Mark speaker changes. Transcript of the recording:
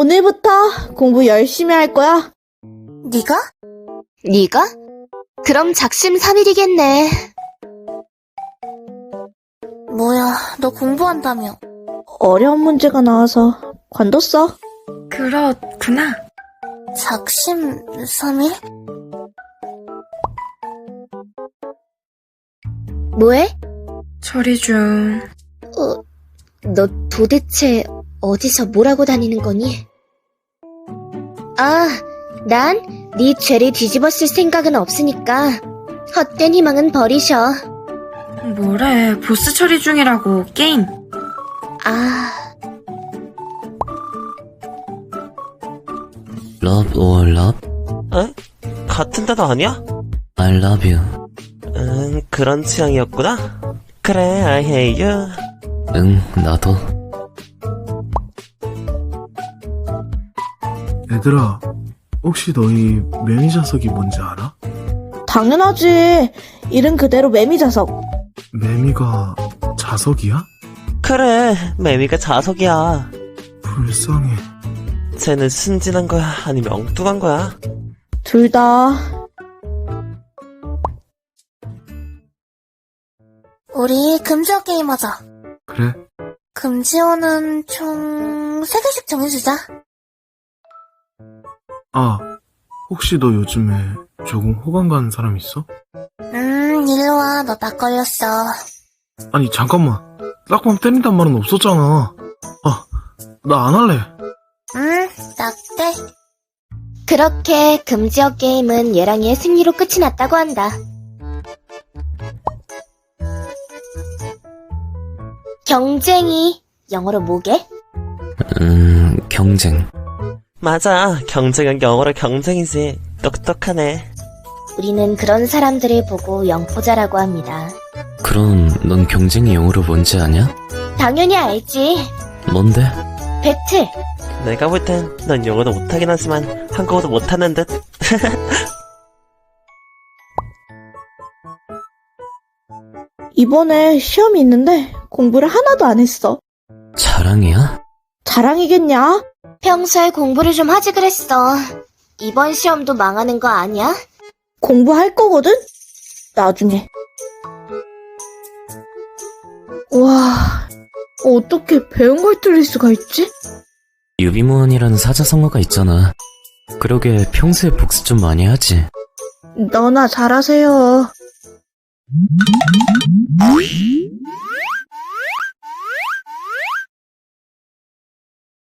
Speaker 1: 오늘부터 공부 열심히 할 거야.
Speaker 2: 네가?
Speaker 3: 네가? 그럼 작심삼일이겠네.
Speaker 2: 뭐야, 너 공부한다며.
Speaker 1: 어려운 문제가 나와서 관뒀어.
Speaker 4: 그렇구나.
Speaker 2: 작심삼일?
Speaker 3: 뭐해?
Speaker 4: 처리 중.
Speaker 3: 너 도대체 어디서 뭐라고 다니는 거니? 아, 난 네 죄를 뒤집어 쓸 생각은 없으니까 헛된 희망은 버리셔.
Speaker 4: 뭐래, 보스 처리 중이라고, 게임.
Speaker 3: 아,
Speaker 5: Love or love?
Speaker 6: 에? 같은 데도 아니야?
Speaker 5: I love you.
Speaker 6: 그런 취향이었구나. 그래, I hate you.
Speaker 5: 응, 나도.
Speaker 7: 얘들아, 혹시 너희 매미자석이 뭔지 알아?
Speaker 1: 당연하지. 이름 그대로 매미자석.
Speaker 7: 매미가 자석이야?
Speaker 6: 그래, 매미가 자석이야.
Speaker 7: 불쌍해.
Speaker 6: 쟤는 순진한 거야, 아니면 엉뚱한 거야?
Speaker 1: 둘 다.
Speaker 2: 우리 금지어 게임 하자.
Speaker 7: 그래?
Speaker 2: 금지어는 총 3개씩 정해주자.
Speaker 7: 아, 혹시 너 요즘에 조금 호감 가는 사람 있어?
Speaker 2: 일로 와, 너 딱 걸렸어.
Speaker 7: 아니, 잠깐만. 딱밤 때린단 말은 없었잖아. 아, 나 안 할래.
Speaker 2: 딱대.
Speaker 3: 그렇게 금지어 게임은 얘랑이의 승리로 끝이 났다고 한다. 경쟁이 영어로 뭐게?
Speaker 5: 경쟁.
Speaker 6: 맞아, 경쟁은 영어로 경쟁이지. 똑똑하네.
Speaker 3: 우리는 그런 사람들을 보고 영포자라고 합니다.
Speaker 5: 그럼 넌 경쟁이 영어로 뭔지 아냐?
Speaker 3: 당연히 알지.
Speaker 5: 뭔데?
Speaker 3: 배틀.
Speaker 6: 내가 볼 땐 넌 영어도 못하긴 하지만 한국어도 못하는 듯.
Speaker 1: 이번에 시험이 있는데 공부를 하나도 안 했어.
Speaker 5: 자랑이야?
Speaker 1: 자랑이겠냐?
Speaker 3: 평소에 공부를 좀 하지 그랬어. 이번 시험도 망하는 거 아니야?
Speaker 1: 공부할 거거든? 나중에. 와, 어떻게 배운 걸 틀릴 수가 있지?
Speaker 5: 유비무원이라는 사자성어가 있잖아. 그러게 평소에 복습 좀 많이 하지.
Speaker 1: 너나 잘하세요.